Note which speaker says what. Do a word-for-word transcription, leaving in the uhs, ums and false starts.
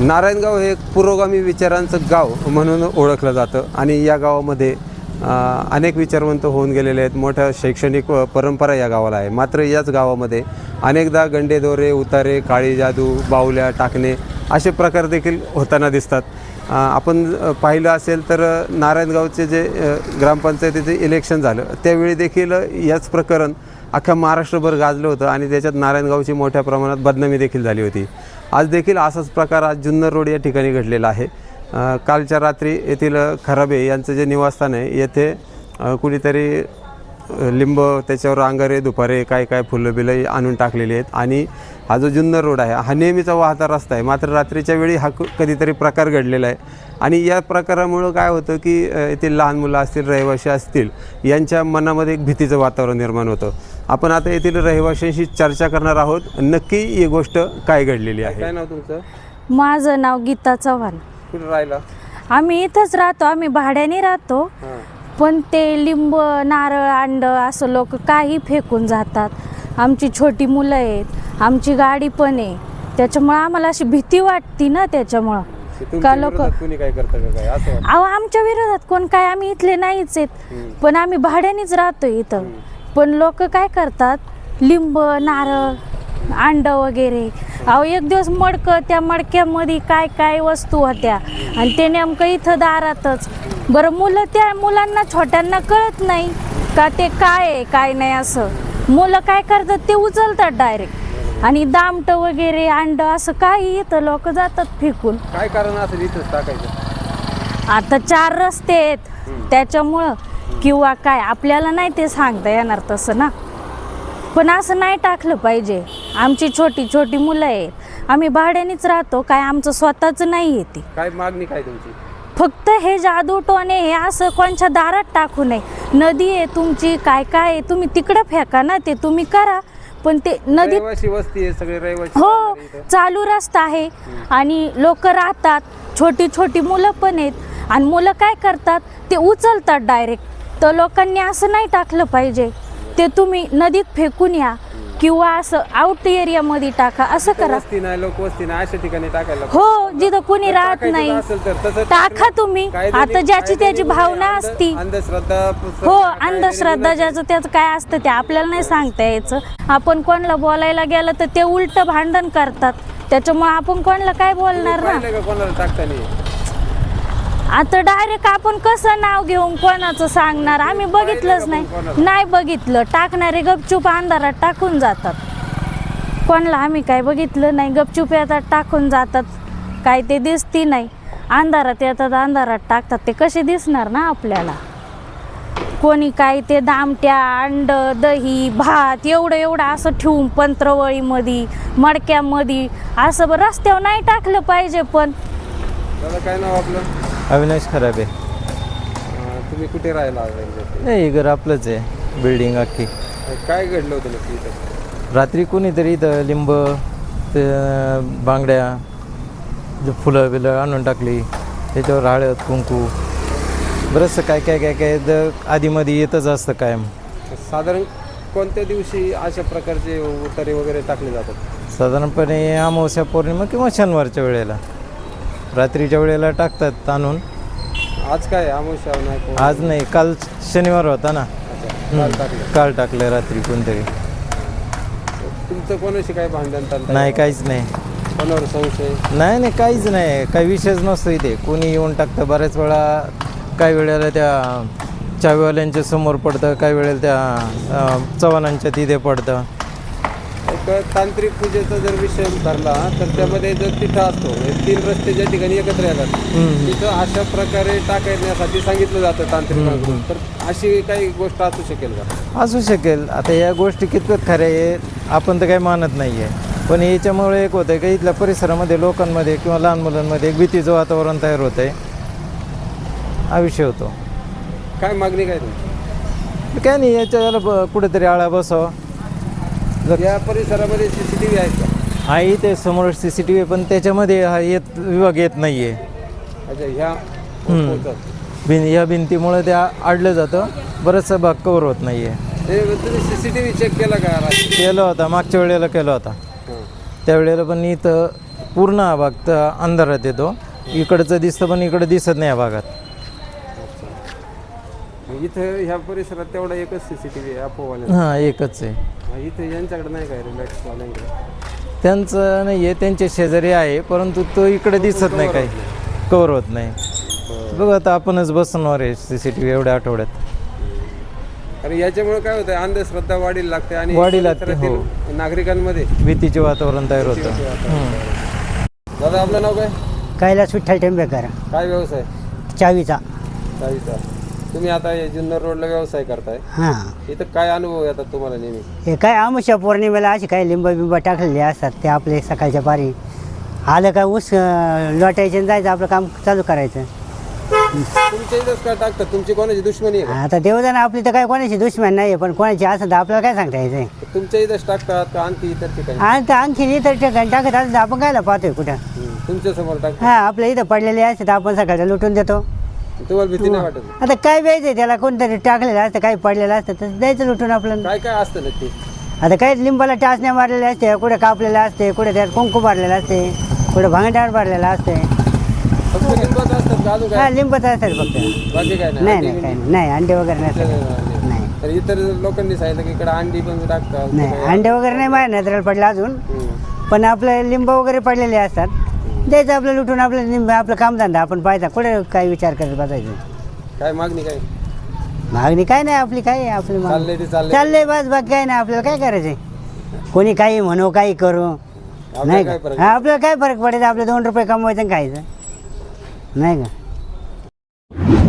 Speaker 1: नारायणगाव हे एक पुरोगामी विचारांचं गाव म्हणून ओळखलं जातं आणि या गावामध्ये अनेक विचारवंत होऊन गेलेले आहेत. मोठ्या शैक्षणिक परंपरा या गावाला आहे. मात्र याच गावामध्ये अनेकदा गंडेदोरे, उतारे, काळी जादू, बाहुल्या टाकणे असे प्रकार देखील होताना दिसतात. आपण पाहिलं असेल तर नारायणगावचे जे ग्रामपंचायतीचे इलेक्शन झालं त्यावेळी देखील याच प्रकरण अख्ख्या महाराष्ट्रभर गाजलं होतं आणि त्याच्यात नारायणगावची मोठ्या प्रमाणात बदनामी देखील झाली होती. आज देखील असाच प्रकार आज जुन्नर रोड या ठिकाणी घडलेला आहे. कालच्या रात्री येथील खराबे यांचं जे निवासस्थान आहे येथे कुणीतरी लिंब, त्याच्यावर अंगारे, दुपारे, काय काय फुलं बिलं आणून टाकलेली आहेत आणि हा जो जुन्नर रोड आहे हा नेहमीचा वाहता रस्ता आहे. मात्र रात्रीच्या वेळी हा कधीतरी प्रकार घडलेला आहे आणि या प्रकारामुळं काय होतं की येथील लहान मुलं असतील, रहिवासी असतील, यांच्या मनामध्ये एक भीतीचं वातावरण निर्माण होतं. आपण आता येथील रहिवाशांशी चर्चा करणार आहोत, नक्की ही गोष्ट काय घडलेली आहे. काय नाव तुमचं?
Speaker 2: माझं नाव गीता चव्हाण.
Speaker 1: कुठं राहिला?
Speaker 2: आम्ही इथंच राहतो, आम्ही भाड्याने राहतो. पण ते लिंब, नारळ, अंड असं लोक काही फेकून जातात. आमची छोटी मुलं आहेत, आमची गाडी पण आहे, त्याच्यामुळे आम्हाला अशी भीती वाटती ना. त्याच्यामुळं का लोक
Speaker 1: कोणी काय करतं का काय असं?
Speaker 2: अहो, आमच्या विरोधात कोण काय, आम्ही इथले नाहीच आहेत, पण आम्ही भाड्यानेच राहतो इथं. पण लोक काय करतात, लिंब, नारळ, अंड वगैरे. अहो, एक दिवस मडकं, त्या मडक्यामध्ये काय काय वस्तू होत्या आणि ते नेमकं इथं दारातच. बरं, मुलं, त्या मुलांना छोट्यांना कळत नाही का ते काय आहे काय नाही. असं मुलं काय करतात, ते उचलतात डायरेक्ट आणि दामट वगैरे, अंड असं काही इथं लोक जातात फेकून.
Speaker 1: काय कारण असेल इथंच टाकायचं?
Speaker 2: आता चार रस्ते आहेत त्याच्यामुळं, किंवा काय आपल्याला नाही ते सांगता येणार तसं ना. पण असं नाही टाकलं पाहिजे. आमची छोटी छोटी मुलं आहेत, आम्ही भाड्यानेच राहतो, काय आमचं स्वतःचं नाही येते.
Speaker 1: काय मागणी काय तुमची?
Speaker 2: फक्त हे जादू टोणे हे असं कोणच्या दारात टाकू नये. नदी आहे तुमची, काय काय आहे, तुम्ही तिकडं फेका ना, ते तुम्ही करा. पण ते नदीत
Speaker 1: वस्ती आहे, सगळे रहिवासी.
Speaker 2: हो, चालू रस्ता आहे आणि लोक राहतात, छोटी छोटी मुलं पण आहेत आणि मुलं काय करतात, ते उचलतात डायरेक्ट. तर लोकांनी असं नाही टाकलं पाहिजे. ते तुम्ही नदीत फेकून या किंवा असं आउट एरियामध्ये टाका, असं करा.
Speaker 1: वस्ती नाही, लोक वस्ती नाही अशा ठिकाणी टाकायला.
Speaker 2: हो, जिथं कोणी राहत नाही टाका तुम्ही. आता ज्याची त्याची भावना असती.
Speaker 1: अंधश्रद्धा,
Speaker 2: हो, अंधश्रद्धा ज्याचं त्याचं काय असतं ते आपल्याला नाही सांगता यायचं. आपण कोणाला बोलायला गेलं तर ते उलट भांडण करतात, त्याच्यामुळे आपण कोणाला काय बोलणार ना.
Speaker 1: कोणाला टाकता
Speaker 2: आता डायरेक्ट आपण कसं नाव घेऊन कोणाचं सांगणार? आम्ही बघितलंच नाही, नाही बघितलं. टाकणारे गपचूप अंधारात टाकून जातात. कोणाला आम्ही काय बघितलं नाही, गपचूप येतात टाकून जातात, काय ते दिसती नाही. अंधारात येतात, अंधारात टाकतात, ते कसे दिसणार ना आपल्याला? कोणी काय ते दामट्या, अंड, दही, भात एवढं एवढं असं ठेवून पंत्रवळीमध्ये, मडक्यामध्ये असं रस्त्यावर नाही टाकलं पाहिजे. पण
Speaker 1: काय नाव आपलं?
Speaker 3: अविनाश खराबे.
Speaker 1: तुम्ही कुठे राहायला?
Speaker 3: नाही, घर आपलंच आहे, बिल्डिंग अख्खी.
Speaker 1: काय घडलं होतं नक्की इथं?
Speaker 3: रात्री कोणीतरी इथं लिंब, ते बांगड्या, जे फुलं बिलं आणून टाकली, त्याच्यावर हळद, कुंकू, बरंचसं काय काय काय काय द आधीमध्ये येतच असतं कायम.
Speaker 1: साधारण कोणत्या दिवशी अशा प्रकारचे उतारे वगैरे टाकले जातात?
Speaker 3: साधारणपणे अमावस्या, पौर्णिमा किंवा शनिवारच्या वेळेला, रात्रीच्या वेळेला टाकतात आणून.
Speaker 1: आज काय अमावस्या नाही?
Speaker 3: आज नाही, काल शनिवार होता ना, काल टाकलं रात्री कोणतरी.
Speaker 1: तुमचं कोणाशी काय भांडण?
Speaker 3: नाही, काहीच नाही.
Speaker 1: कोणावर संशय?
Speaker 3: नाही नाही, काहीच नाही, काही विषयच नसतो इथे. कोणी येऊन टाकतं. बऱ्याच वेळा काही वेळेला त्या चावीवाल्यांच्या समोर पडतं, काही वेळेला त्या चव्हाणांच्या तिथे पडतं.
Speaker 1: एक तांत्रिक पूजेचा जर विषय धरला तर त्यामध्ये जर तिथं असतो, तीन रस्ते ज्या ठिकाणी एकत्र येतात तिथं अशा प्रकारे टाकण्यासाठी सांगितलं जातं तांत्रिकांकडून. तर अशी काही गोष्ट असू शकेल का?
Speaker 3: असू शकेल. आता या गोष्टी कितपत खऱ्या आहे आपण तर काही मानत नाही आहे, पण याच्यामुळे एक होतं आहे की इथल्या परिसरामध्ये लोकांमध्ये किंवा लहान मुलांमध्ये एक भीतीचं वातावरण तयार होतं आहे, हा विषय होतो.
Speaker 1: काय मागणी काय तुमची?
Speaker 3: काय नाही, याच्याला ब कुठेतरी आळा बसावा.
Speaker 1: या परिसरामध्ये सी सी टी व्ही आहेत का?
Speaker 3: हा, इथे समोर सी सी टी व्ही, पण त्याच्यामध्ये हा येत विभाग येत नाही आहे.
Speaker 1: अच्छा, ह्या
Speaker 3: भिन ह्या भिंतीमुळे ते अडलं जातं, बरंचसा भाग कवर होत नाही आहे.
Speaker 1: तुम्ही C C T V check केला का?
Speaker 3: केलं होता, मागच्या वेळेला केला होता. त्यावेळेला पण इथं पूर्ण हा भाग तर अंधारात येतो. इकडचं दिसतं पण इकडं दिसत नाही या भागात.
Speaker 1: इथं ह्या परिसरात तेवढा एकच सी सी टी व्ही आहे अपोवाल्या.
Speaker 3: हां एकच आहे.
Speaker 1: इथं यांच्याकडे नाही काय रिलॅक्सवाल्यांकडे?
Speaker 3: त्यांचं नाही आहे, त्यांचे शेजारी आहे परंतु तो इकडे दिसत नाही काही, कवर होत नाही. बघ आता आपणच बसणार आहे सी सी टी व्ही एवढ्या आठवड्यात.
Speaker 1: कारण याच्यामुळे काय होतं, अंधश्रद्धा वाढीला लागते आणि
Speaker 3: वाढीला लागते,
Speaker 1: परिसरातील नागरिकांमध्ये
Speaker 3: भीतीचे वातावरण तयार होतं.
Speaker 1: दादा आपलं नाव काय?
Speaker 4: कैलास विठ्ठल टेंबेकर,
Speaker 1: काय व्यवसाय?
Speaker 4: चावीचा.
Speaker 1: चावीचा. तुम्ही आता हे जुन्नर रोडला व्यवसाय करताय,
Speaker 4: हां.
Speaker 1: इथं काय अनुभव येतात तुम्हाला नेहमी?
Speaker 4: हे काय आमुषा पौर्णिमेला असे काही लिंब बिंब टाकलेले असतात ते आपले सकाळच्या पारी आलं काय ऊस अं, लोटायचे आणि जायचं आपलं काम चालू करायचं.
Speaker 1: तुमच्या इथंच काय टाकतात? तुमची कोणाची दुश्मनी आहे का?
Speaker 4: आता देवदान आपली तर काय कोणाची दुश्मन नाही आहे, पण कोणाची असं तर आपल्याला काय सांगता यायचं.
Speaker 1: तुमच्या इथंच टाकतात का आणखी इतर ठिकाणी?
Speaker 4: आणि तर आणखी इतर ठिकाणी टाकत असं तर आपण कायला पाहतोय कुठं.
Speaker 1: हम्म. तुमच्या समोर टाकतात,
Speaker 4: हां आपल्या इथं पडलेले असते तर आपण सकाळचं लुटून देतो.
Speaker 1: तुम्हाला भीती नाही वाटत?
Speaker 4: आता काय द्यायचं त्याला, कोणतरी टाकलेलं असतं काही पडलेलं असतं तर द्यायचं लुटून आपल्याला.
Speaker 1: काय काय असतं नक्की?
Speaker 4: आता काही लिंबाला टाचण्या मारलेल्या असते, कुठे कापलेलं असते, कुठे त्यात कुंकू भरलेलं असते, कुठे भांगटावर भरलेलं असते.
Speaker 1: फक्त लिंबात असतात का अजून
Speaker 4: हा
Speaker 1: काय?
Speaker 4: लिंबच असतात फक्त.
Speaker 1: बाकी काय
Speaker 4: नाही नाही काही नाही नाही अंडे वगैरे नसतात. नाही
Speaker 1: तर इतर लोकांनी सांगितलं की इकडे अंडी पण टाकतात.
Speaker 4: नाही अंडे वगैरे नाही माझ्या नजरेला पडलं अजून,
Speaker 1: हम्म.
Speaker 4: पण आपले लिंब वगैरे पडलेले असतात, द्यायचं आपलं लुटून आपलं लिंब आपलं कामधंदा आपण पाहायचा, कुठे काही विचार करत बसायचं.
Speaker 1: काय मागणी काय?
Speaker 4: मागणी काय नाही आपली, काय आहे आपली मागणी.
Speaker 1: चाललंय ते चाललंय.
Speaker 4: चाललंय बस बाकी काय नाही आपल्याला काय करायचंय. कोणी काही म्हणू काही करू
Speaker 1: आपल्याला
Speaker 4: नाही
Speaker 1: काय
Speaker 4: का.
Speaker 1: फरक?
Speaker 4: हा, आपल्याला काय फरक पडायचा, आपले दोन रुपये कमवायचं आणि खायचं नाही का.